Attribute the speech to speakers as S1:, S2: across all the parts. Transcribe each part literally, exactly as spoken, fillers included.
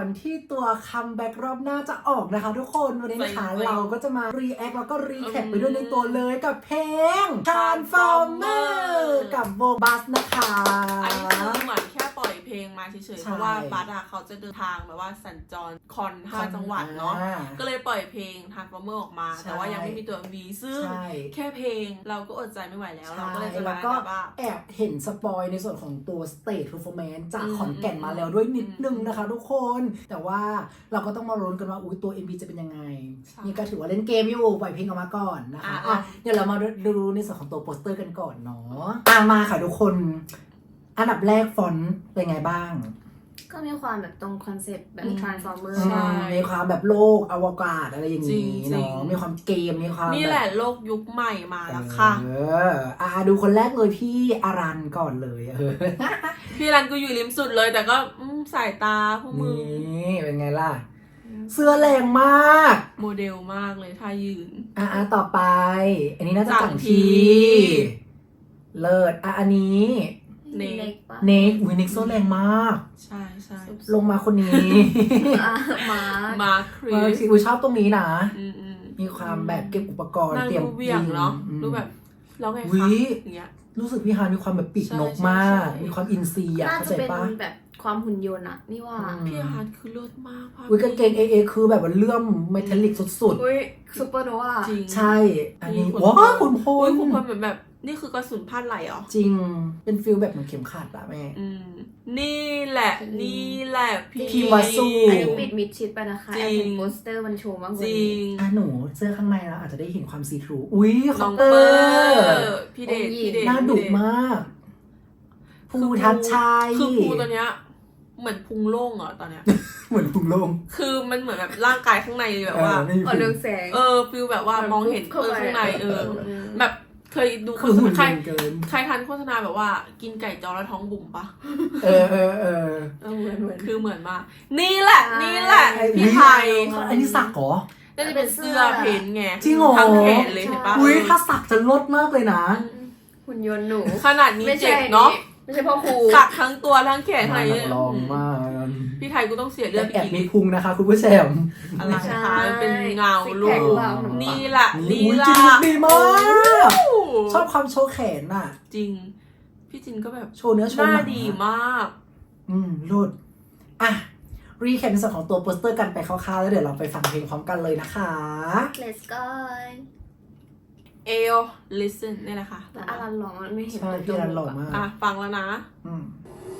S1: ที่ตัวคัมแบ็กรอบหน้าจะออกนะคะทุกคนวันนี้นะคะเราก็จะมารีแอคแล้วก็รีแคปไปด้วยในตัวเลยกับเพลง Transformer กับวงบัสนะคะ
S2: อันนี้คือเหมือนแค่ปล่อยเพลงมาเฉยๆเพราะว่าบัสอะเขาจะเดินทางแบบว่าสัญจรคอนห้าจังหวัดเนาะก็เลยปล่อยเพลง Transformer ออกมาแต่ว่ายังไม่มีตัว เอ็ม วี ซึ่งแค่เพลงเราก็อดใจไม่ไหวแล้วเราก็เลยจะมาแบบว่า
S1: แอบเห็นสปอยในส่วนของตัว Stage Performance จากขอนแก่นมาแล้วด้วยนิดนึงนะคะทุกคนแต่ว่าเราก็ต้องมาลุ้นกันว่าอุ้ยตัว เอ็ม วี จะเป็นยังไงนี่ก็ถือว่าเล่นเกมอยู่ปล่อยเพลงออกมาก่อนนะคะอ่ะเดี๋ยวเรามาดูในส่วนของตัวโปสเตอร์กันก่อนเนาะอ่ะมาค่ะทุกคนอันดับแรกฟอนต์เป็นไงบ้าง
S3: ก็มีความแบบตรงคอนเซ็ปต์แบบ Transformer
S1: ใช่มีความแบบโลกอวกาศอะไรอย่างนี้เนาะมีความเกมมีความ
S2: นี่แหละโลกยุคใหม่มาแล้วค่ะ
S1: เอออ่ะดูคนแรกเลยพี่อารันก่อนเลยเออ
S2: พี่อารันก็อยู่ริมสุดเลยแต่ก็สายตาพวกมือ
S1: นี่เป็นไงล่ะเสื้อแรงมาก
S2: โมเดลมากเลยท่ายืน
S1: อ่ะต่อไปอันนี้น่าจะจังทีเลิศอ่ะอันนี้
S2: เนก
S1: เนกอุ้ยเนกโซแรงมาก
S2: ใช่ใช่
S1: ลงมาคนนี้
S3: มา
S2: มาคริส
S1: อุ้ยชอบตรงนี้นะมีความแบบเก็บอุปกรณ์เตรียม
S2: ยิงเนาะดูแบบแล้วไงคะอย่างเงี้ย
S1: รู้สึกพี่ฮานมีความแบบปีกนกมากมีความอินซีอ่ะเข้าใจปะ
S3: แบบความหุ่นยนต์อะนี่ว่า
S2: พี่ฮานคือเลิศมาก
S1: อุ้ยกางเกงเอเอคือแบบว่าเลื่อมเมทัลลิกสุด
S3: ๆอุ้ยซูเปอร์โนวา
S1: จริงใช่อันนี้ว้าวคุณพล
S2: คุณพลเหมือนแบบนี่คือกระสุนพลาดไหลเหรอ
S1: จริงเป็นฟิลแบบเหมือนเข็มขัดอะแม่
S2: นี่แหละนี่แหละ
S1: พี่พิมวาสู
S3: อันนี้ปิดมิดชิดไปนะคะแอบเห็นโปสเตอร์มันโชว์มาก
S2: จริง
S1: อ่ะหนูเสื้อข้างในแล้วอาจจะได้เห็นความซีทรูอุ้ย
S2: น้องเปอร์พี่เดชพี่เดช
S1: น่าดุมากภูทัชชัย
S2: คือภูตัวเนี้ยเหมือนพุงโล่งอ่ะตอนเนี้ย
S1: เหมือนพุงโล่ง
S2: คือมันเหมือนแบบร่างกายข้างในแบบว่า
S3: อ่อนเรืองแสง
S2: เออฟิลแบบว่ามองเห็นเออข้างในเออแบบเคยดูโฆษณาใครใครทันโฆษณาแบบว่ากินไก่จอแล้วท้องบุ๋มปะ
S1: เออเออเออ
S2: เหมือนเหมือนคือเหมือนมากนี่แหละนี่แหละพี่ไทย
S1: อันนี้สักเหรอ
S2: น่าจะเป็นเสื้อเพนไง
S1: จริงเหรอ
S2: ทั้งแขนเลยเห็นปะ
S1: อุ้ยถ้าสักจะลดมากเลยนะ
S3: หุ่นยนต์หนู
S2: ขนาดนี้เจ็บเนาะ
S3: ไม่ใช่พ่อครู
S2: สักทั้งตัวทั้งแขนอะไร
S1: เนี่ยลองมาก
S2: พี่ไทยกูต้องเสียเลือด
S1: แอบมีพุงนะคะคุณผู้ชม
S2: อะไรคะเป็นเงาลูกนี่แหละนี่
S1: แหละดีมากชอบความโชว์แขนน่ะ
S2: จริงพี่จินก็แบบ
S1: โชว์เนื้อโชว์ห
S2: น้าดีมาก
S1: อืมรุดอ่ะรีแคปในส่วนของตัวโปสเตอร์กันไปคร่าวๆแล้วเดี๋ยวเราไปฟังเพลงพร้อมกันเลยนะคะ
S3: Let's go
S2: เอล listen นี่แหละค่ะ
S3: แต่อารันหล่อมันไม่เห็น
S1: ใช่พี่อารันหล่อมาก
S2: อ่ะฟังแล้วนะ
S1: อืม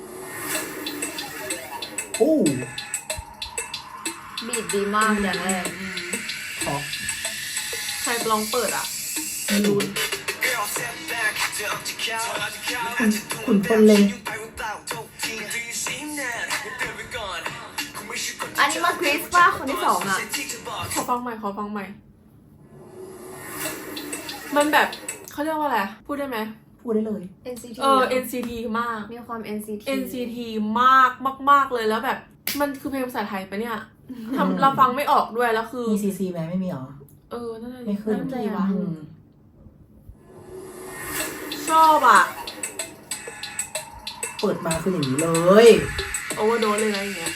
S1: โอ้
S3: บีดดีมากอย่างแรก
S1: ขอ
S2: ใครลองเปิดอ่ะไม่รู้
S1: คุณพลเลย
S3: อันนี้มาคริสป่ะคนที่สองอ่ะ
S2: ขอฟังใหม่ขอฟังใหม่มันแบบเขาเรียกว่าอะไรพูดได้ไหม
S1: พูดได้เลย
S3: เอ็น ซี ที
S2: เออ เอ็น ซี ที มาก
S3: มีความ เอ็น ซี ที
S2: เอ็น ซี ที มากมากๆเลยแล้วแบบมันคือเพลงภาษาไทยปะเนี่ยทำเราฟังไม่ออกด้วยแล้วคือ
S1: มี ซี ซี ไหมไม่มีหรอ
S2: เออนั่นแหละ
S1: ไม่ขึ้น
S2: ทีวะชอบอ่ะ
S1: เปิดมาคืออย่างนี้เลย
S2: โอเวอร์โดสเลยนะอย่างเงี้ย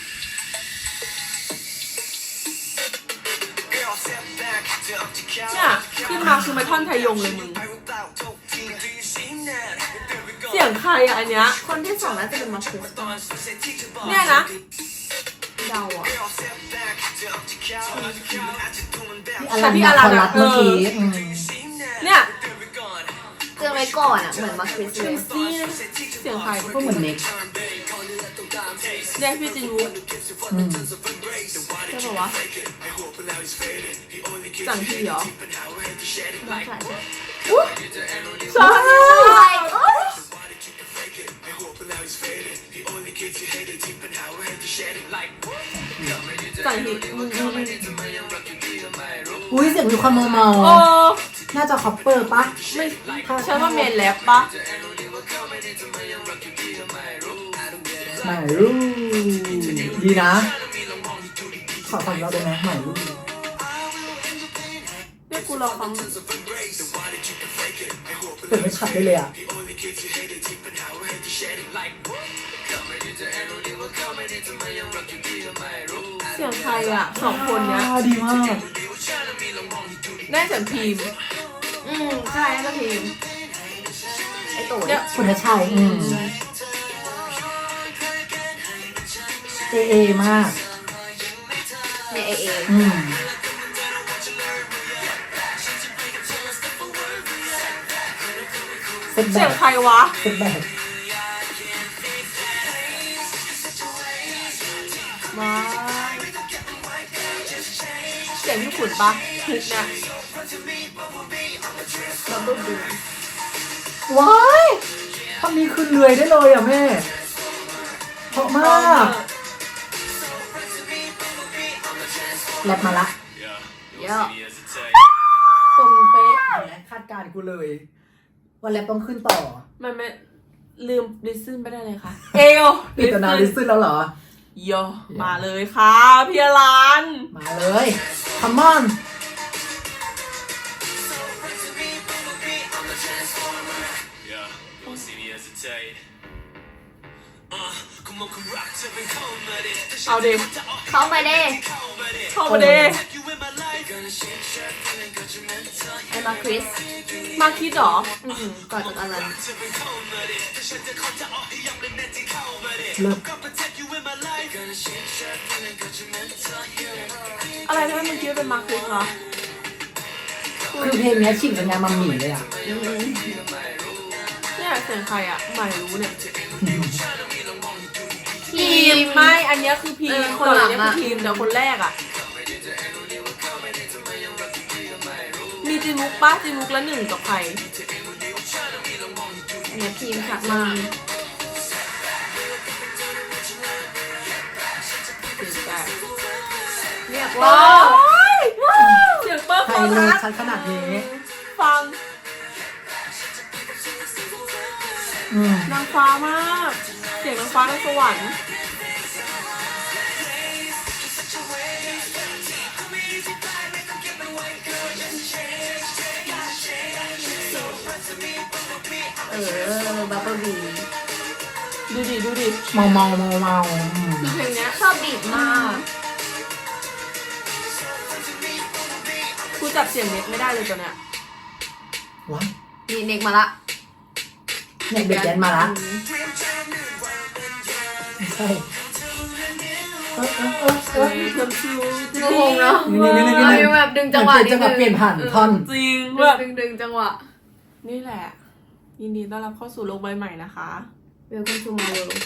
S2: เนี่ยขึ้นมาคือมันท่อนไทยงเลยมึงเสียงใครอ่ะอันเนี้ย
S3: คนที่สองน่าจะเป็นมาคุส
S2: เนี่ยนะ
S3: เดาอ่ะ
S1: แต่พี่อารันรัดเมื่อกี้
S2: เนี่ย
S3: เจอไว้ก่อนอ่ะเหมือนมาคริสเลย
S2: เสียงใคร
S1: ก็เหมือนเน็ก
S2: เนี่ยพี่จินรู้ใช่ป่าวะจังทีเหรอ
S3: ไม่ใช่
S2: ใช่จังที
S1: อุ้ยเสียงมีความเมาๆน่าจะคอปเปอร์ปะ
S2: ไม่ฉันว่าเมนแลบปะ
S1: ไม่รู้ดีนะขอฟังเราได้ไหมไม่รู้
S2: เนี่ยกูลองฟัง
S1: เปิดไม่ชัดได้เลยอ่ะ
S2: เสียงใครอ่ะสองคนเนี้ย
S1: อ่าดีมาก
S2: ได้เสียงพิมพ์
S3: อืมใช่ก็ทีมไอตู่
S2: เนี่ย
S1: คุณชัยอืมเอเอมาก
S3: เนี่ยเอเอ
S1: อืมเซตแบ
S2: เสียง
S1: ก
S2: ใครวะ
S1: เซตแบก
S2: มาเสียงพี่ขุนปะทุกเนี่ย
S3: เราต้องดู
S1: ว้ายทำนี้คือเลื่อยได้เลยอ่ะแม่เพราะมากแรปมาละ
S3: เยอะ
S1: ตรงเป๊ะและคาดการณ์กูเลยว่าแรปต้องขึ้นต่อ
S2: มันไม่ลืมลิซึนไปได้เลยค่ะ เอว
S1: ปิดตำนานลิซึนแล้วเหรอ
S2: โยมาเลยค่ะพี่อลัน
S1: มาเลยคัมอน
S2: เอาเด
S3: เข้ามาเด้
S2: เข้ามาเด
S3: ไอมาคริส
S2: มาคิดเหรอ
S3: อืมก่อนจากอลัน
S1: เลิก
S2: อะไรทำไมมึงคิดว่าเป็นมาคิดเหรอ
S1: คือเพลงเนี้ยฉีกสัญญาณมัมหมี่เลยอ่ะ
S2: เนี่ยเสียงใครอ่ะไม่รู้เนี่ย
S3: ทีม
S2: ไม่อันเนี้ยคือพี
S3: เอ
S2: ม
S3: อ
S2: คนหลัง
S3: คนหลัง
S2: เนี้ย
S3: อะ
S2: คือพีมแต่คนแรกอ่ะ มีจีมุกป้าจีมุกละหนึ่งกับใคร
S3: เนี่ยทีมชักมา
S2: เสียงแปด
S3: เรียก
S2: ว้า
S3: ว่า
S2: วเสียงเปิ้ล
S1: ใคร
S2: โฟ
S1: เลย
S2: กัส
S1: ชัดขนาดนี้
S2: ฟัง
S1: อืม
S2: นางฟ้ามาก เสียงนางฟ้านางสวรรค์
S3: เออบับเบิ้ลบี
S2: ดูดิดูดิ
S1: เมาเมาเมาเมาอืม
S2: คือเพลงเนี้ย
S3: ชอบบีบมาก
S2: กูจับเสียงเน็ตไม่ได้เลยตอนเนี้ย
S1: ว้าย
S3: นี่เน็กมาละ
S1: เนี่ยเด็กแดนมาละ
S3: อืม
S1: ใช่เออเออเออเอ
S2: เอ
S1: อ
S2: อเพิ่มชิว
S3: งงเนาะ
S1: นี่นี่นี่นี่
S3: เออแบบดึงจังหวะ
S1: เปลี่ยนจังหวะเปลี่ยนผ่านท่อน
S2: จริง
S3: ดึ
S2: แบ
S3: ง
S2: บ
S3: ดึงดึงจังหวะ
S2: นี่แหละ ยินดีต้อนรับเข้าสู่โลกใบใหม่นะคะ
S3: Welcome to my world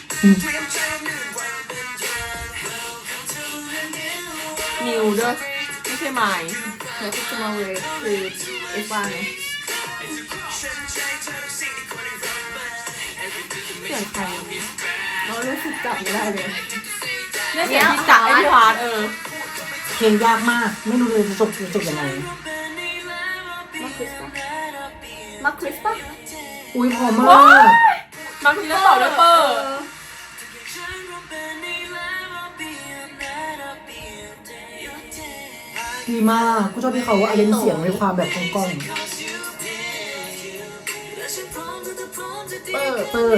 S2: นิวด้วยไม่ใช่ไมค์
S3: Welcome to my world คือเอฟวันไง
S2: เสียงใคร
S3: เรารู้สึกจับไม่ได้เลย
S2: เนี่ยเสียงพี่จักรไอ้พี่ฮาร์ดเออ
S1: เพลงยากมาก ไม่รู้เลยจะจบจะจบยังไง
S3: มาคริสปะมาคริสปะ
S1: อุ้ยพอมา
S2: ว้าก ย บางทีก็ต่อด้วยเปอร์
S1: ดีมากกูชอบที่เขาเอาเล่นเสียงในความแบบกล้อง
S3: เปิด
S1: ๆเปอร์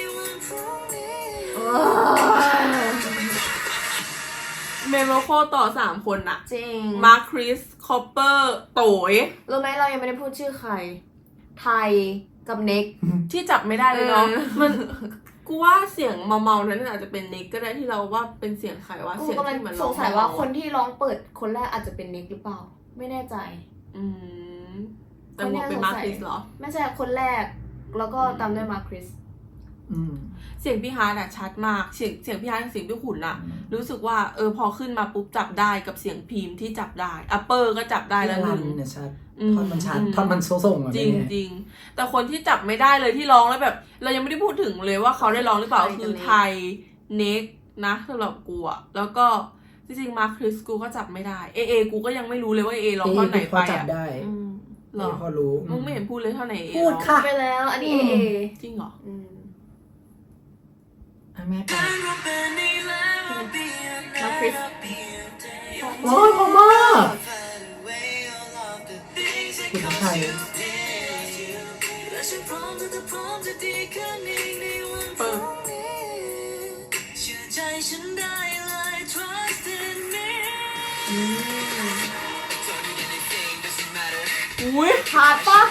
S2: เมโลโคต่อสามคนอะ
S3: จริง
S2: มาร์คคริส คอปเปอร์ โตย
S3: รู้ไหมเรายังไม่ได้พูดชื่อใคร ไทยกับเน็ก
S2: ที่จับไม่ได้เลยเนาะ
S3: เออ
S2: มันกูว่าเสียงเมาๆนั้นอาจจะเป็นเน็กก็ได้ที่เราว่าเป็นเสียงใครว่า
S3: กู
S2: เสียง
S3: กำลัง
S2: ที่มัน
S3: สงสัยว่าคนที่ร้องเปิดคนแรกอาจจะเป็นเน็กหรือเปล่า ไม่แน่ใจ
S2: อืมแต่หมวกเป็นมาร์คคริสเหรอ
S3: ไม่ใช่คนแรก แล้วก็ตามด้วยมาร์คคริส
S1: อืม
S2: เสียงพี่ฮาร์ดอะชัดมาก เสียงเสียงพี่ฮาร์ดกับเสียงพี่ขุนอะ
S1: อืม
S2: รู้สึกว่าเออพอขึ้นมาปุ๊บจับได้กับเสียงพิมพ์ที่จับได้อัปเปอร์ก็จับได้แล้วห
S1: รั
S2: นึ่
S1: น
S2: ง
S1: เนี่ยชัด
S2: อืม
S1: ท่อนมันชัด
S2: อืม
S1: ท่อนมันส่งๆอ่ะ
S2: จริง
S1: เนี่ย
S2: จริงแต่คนที่จับไม่ได้เลยที่ร้องแล้วแบบ เรายังไม่ได้พูดถึงเลยว่าเขาได้ร้องหรือเปล่า
S3: ไทยกับ
S2: คือ
S3: เน็ก
S2: ไทยเน็กนะสำหรับกูอะแล้วก็จริงๆมาร์คคริสกูก็จับไม่ได้เอเอกูก็ยังไม่รู้เลยว่าเอร้อง
S1: เอ
S2: ท่อนไหน
S1: พ
S2: ไป
S1: อจับ
S2: อะ
S1: ได้
S3: อืม
S2: หรอ
S1: เอพอรู้
S2: มึงไม่เห็นพูดเลยเท่าไหนเอ
S1: พูดค่ะ
S3: ไปแล้ว อันนี้
S1: อื
S3: เอ
S1: ม
S3: เอ
S2: จริงเหรอ
S3: อืม
S1: อ่ะแม่ไป
S3: มาคริส
S1: โอ้ยพอมากคุณไทย
S2: เปิดอุ้ย
S3: ฮาร์ดปะ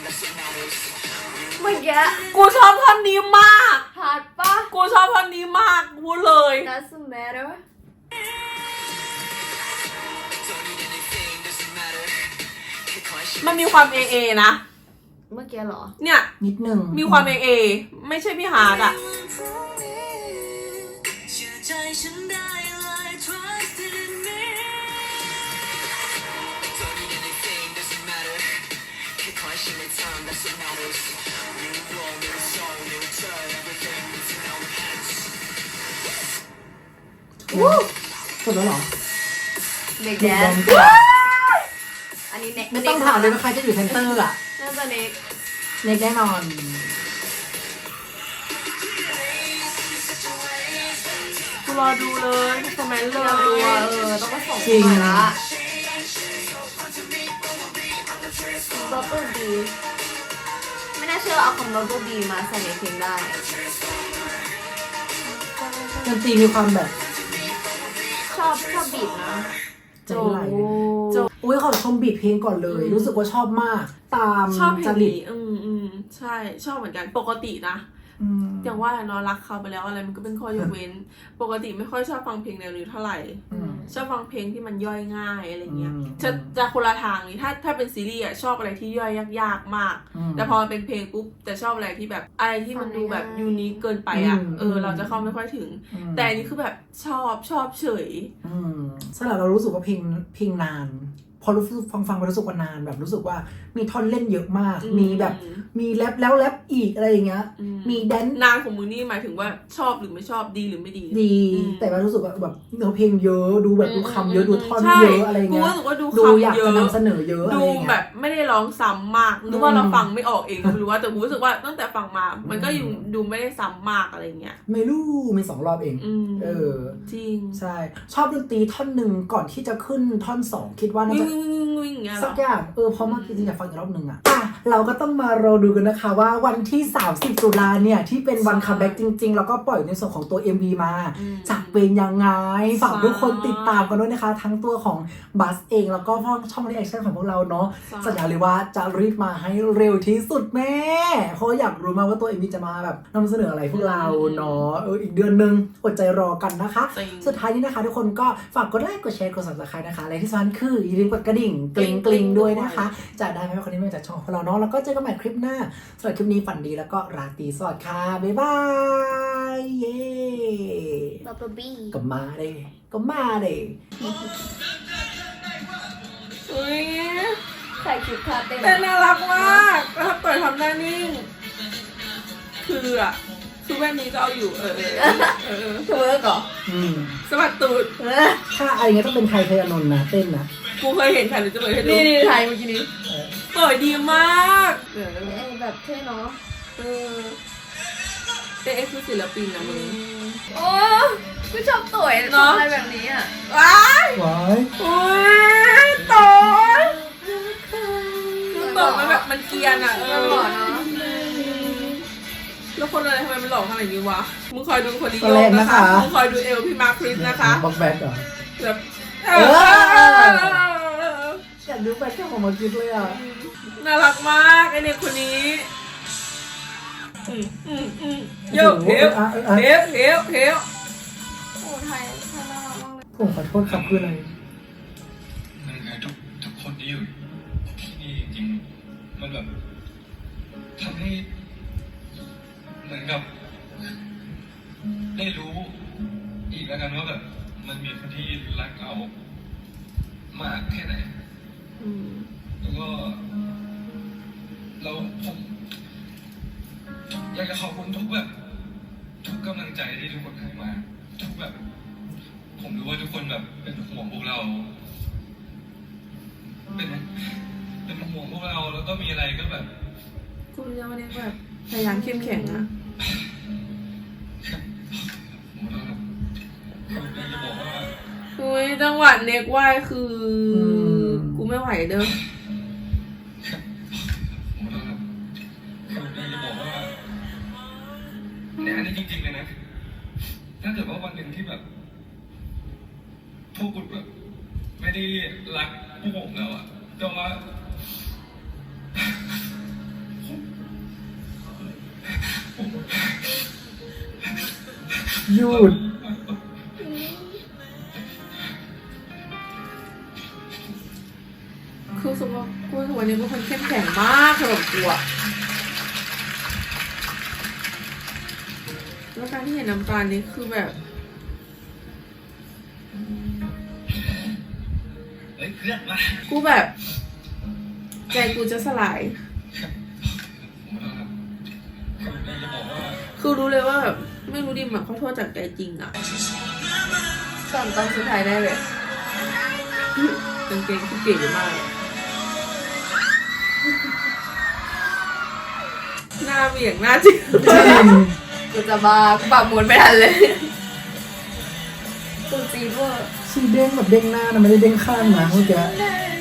S3: เมื่อกี้
S2: กูชอบท่อนนี้มาก
S3: ฮาร์ดปะ
S2: กูชอบท่อนนี้มากพูดเลย
S3: doesn't matter
S2: มันมีความเอเอนะ
S3: เมื่อกี้เหรอ
S2: เนี่ย
S1: นิดนึง
S2: มีความเอเอไม่ใช่พี่ฮาร์ดอะ
S1: จบแล้วเหรอ
S3: เด็ก
S1: เด็
S3: แด
S1: กแด
S3: น
S1: นกว่า
S3: อันนี้เน็ก
S1: ไม่ต้องถามเลยว่าใครจะอยู่เซนเตอร์อะ
S3: น่าจะเน็ก
S1: เน็กแน่นอน
S2: กูรอดูเลยคอมเมนต์เล
S3: เราดู
S2: ย
S3: ว่าเออต้องมาส่ง
S1: จริง
S3: มาละบับเบิ้ลบีไม่น่าเชื่อเอาคำบับเบิ้ลบีมาใส่ในเพลงได้
S1: ดนตรีมีความแบบ
S3: ชอบชอบบีบนะ
S1: ใจไหลอุ้ยขอชมบีทเพลงก่อนเลย รู้สึกว่าชอบมาก ตาม
S2: ชอบเพล
S1: จ
S2: ง
S1: ริต
S2: นี้อืมอืมใช่ชอบเหมือนกันปกตินะ
S1: อืม
S2: อย่างว่าเนาะรักเขาไปแล้วอะไรมันก็เป็นข้อยกเว้น ปกติไม่ค่อยชอบฟังเพลงแนวนี้เท่าไหร่
S1: อืม
S2: ชอบฟังเพลงที่มันย่อยง่ายอะไรเงี้ย
S1: อืม
S2: จะจะคนละทางนี่ถ้าถ้าเป็นซีรีส์อะชอบอะไรที่ย่อยยากๆมาก
S1: อืม
S2: แต่พอเป็นเพลงปุ๊บจะชอบอะไรที่แบบอะไรที่มันดูแบบยูนิคเกินไปอะ
S1: อืม
S2: เออเราจะเข้าไม่ค่อยถึง
S1: อืม
S2: แต่อันนี้คือแบบชอบชอบเฉย
S1: อืมสำหรับเรารู้สึกว่าเพลงเพลงนาน พอรู้สึกฟังฟังไปรู้สึกว่านานแบบรู้สึกว่ามีท่อนเล่นเยอะมาก
S2: อืม
S1: มีแบบมีแรปแล้วแรปอีกอะไรอย่างเงี้ย
S2: อืม
S1: มีแดนซ์
S2: นานของมือนี่หมายถึงว่าชอบหรือไม่ชอบดีหรือไม่ดี
S1: ดี
S2: อืม
S1: แต่ว่ารู้สึกว่าแบบเนื้อเพลงเยอะดูแบบดูคำเยอะดูท่อน
S2: ใช่
S1: เยอะอะไร
S2: กู
S1: เงี้ย
S2: รู้สึกว่าดู
S1: ดู
S2: คำ
S1: อยาก
S2: เย
S1: จะ
S2: อะ
S1: นำเสนอเยอะอะไร
S2: ดู
S1: เงี้ย
S2: แบบไม่ได้ร้องซ้ำมากหรือว่า
S1: อืม
S2: เราฟังไม่ออกเองก็ไม่รู้ว่าแต่กูรู้สึกว่าตั้งแต่ฟังมา มันก็อยู่ดูไม่ได้ซ้ำมากอะไรเงี้ย
S1: ไม่รู้มีสองรอบเอง
S2: อืม
S1: เออ
S2: จริง
S1: ใช่ ชอบดนตรีท่อนหนึ่งก่อนที่จะขึ้นท่อนสองคิดว่าน่า
S2: วิ่ง
S1: จะ
S2: วิ่งวิ่งวิ่งอย่างเงี้ยเหร
S1: สั
S2: อก
S1: อย่างเออเพราะเมื่อกี้จริงอยากฟังอีกรอบหนึ่งอะอ่ะ เราก็ต้องมารอดูกันนะคะว่าวันที่สามสิบตุลาเนี่ย ที่เป็นวันคัมแบ็กจริงๆ แล้วก็ปล่อยในส่วนของตัว เอ็ม วี มา
S2: อืม
S1: จะเป็นยังไง ฝาก
S2: ใช่
S1: ทุกคนติดตามกันด้วยนะคะ ทั้งตัวของบัสเองแล้วก็ช่องรีแอคชั่นของพวกเราเนาะ
S2: ใช่
S1: สัญญาเลยว่าจะรีบมาให้เร็วที่สุดแม่ เพราะอยากรู้มากว่าตัว เอ็ม วี จะมาแบบนำเสนออะไรพวกเราเนาะเอออีกเดือนนึงอดใจรอกันนะคะ
S2: จริง
S1: สุดท้ายนี้นะคะทุกคนก็ฝากกดไลค์กดแชร์กด ซับสไครบ์ นะคะและที่สำคัญคืออย่าลืมกดกระดิ่งกริ๊งกริ๊งด้วยนะคะ จะได้ไม่ให้คนนี้มาจากช่องของเราเนาะแล้วก็เจอกันใหม่คลิปหน้าสำหรับคลิปนี้ฝันดีแล้วก็ราตรีสวัสดิ์ค่ะ บ๊ายบาย เย้
S3: บับเบิ้ลบี
S1: ก็มาเลยก็มาเลย
S2: อุ้ย
S3: ใส่ชุดคาเต้น
S2: แต่น่ารักมากแล้วถ้าเปิดทำหน้านิ่ง คืออะคือแว่นนี้ก็เอาอยู่เออเออเออ
S3: เธอเหรอ
S1: อืม
S2: สวัสดตูด
S3: เออ
S1: ถ้าอะไรเงี้ยต้องเป็นไทยเทยอนนท์นะเต้นนะ
S2: กูเคยเห็นค่ะหรือจะเปิดให้ดู
S3: นี่นี่ไทยเมื่อกี้นี้
S1: เออ
S2: เปิดดีมากเออ
S3: เออแบบเท่เนาะ
S2: เออเอ๊ะคือศิลปินนะมึง
S3: โอ้กูชอบตุ๋ย
S2: เนอะ
S3: ทำอะไรแบบนี้อ่ะ
S2: ว้าย
S1: ว้าย
S2: อุ้ยต่อยคือต่อยมันแบบมันเกรียนอ่ะเอ
S3: มัน
S2: อ
S3: หล่อเนาะ
S2: แล้วคนอะไรทำไมมันหล่อขนาดนี้วะ มึงคอยดูคนนี้
S1: ตัว
S2: โย
S1: แร
S2: ก
S1: ก
S2: นะ
S1: นะคะ คะ
S2: มึงคอยดูเอลพี่มาร์คคริสนะคะ
S1: บอกแบกเหรอ
S2: แบบเอ
S1: เอ
S2: อ
S1: อยากดูแบกแค่ของมาคิดเลยอ่ะ
S2: น่ารักมากไอเด็กคนนี้อืมอืมอืมโยกเฮล
S1: อ่ะอ่ะ
S2: เฮลเฮลเฮล
S3: โอ้ไทยไทยน่ารักมากเลย
S1: ผมขอโทษครับคืออะไร
S4: มันคือทุกทุกคนที่อยู่ที่นี่จริงๆมันแบบทำให้เหมือนกับได้รู้อีกแล้วกันว่าแบบมันมีคนที่รักเรามากแค่ไหน
S2: อืม
S4: แล้วก็เราผมอยากจะขอบคุณทุกแบบทุกกำลังใจที่ทุกคนให้มา ทุกแบบ ผมรู้ว่าทุกคนแบบเป็นห่วงพวกเรา เป็นเป็นห่วงพวกเราแล้วก็มีอะไรก็แบบ
S2: กูจะวันนี้แบบพยายามเข้มแข็งอะ
S4: ผมก็แบบผมอยากจะบอกว่า
S2: อุ้ยจังหวะเน็กไหวคืออ
S1: ม
S2: กูไม่ไหวเด้อ
S4: ผมก็แบบผมอยากจะบอกว่าเนี่ยอันนี้จริงๆเลยนะถ้าเกิดว่าวันหนึ่งที่แบบพวกคุณแบบไม่ไม่ได้รักพวกผมแล้วอะแต่ว่า
S1: หยุด
S2: คือสมมติกูวันนี้เป็นคนเข้มแข็งมากสำหรับกูอะแล้วการที่เห็นน้ำตาลนี้คือแบบ
S4: เฮ้ยเพื่อนมา
S2: กูแบบ ใจกูจะสลาย คือรู้เลยว่าแบบไม่รู้ดิมอะขอโทษจากใจจริงอะตอนตอนสุดท้ายได้เลยกางเกงที่เก๋มาก หน้าเบี่ยงหน้าจริง
S3: กูจะบ้ากูปรับหมุนไม่ทันเลยกูจีบเวอร์
S1: ชีเด้งแบบเด้งหน้านะไม่ได้เด้งข้างนะเมื่อกี้
S3: ได้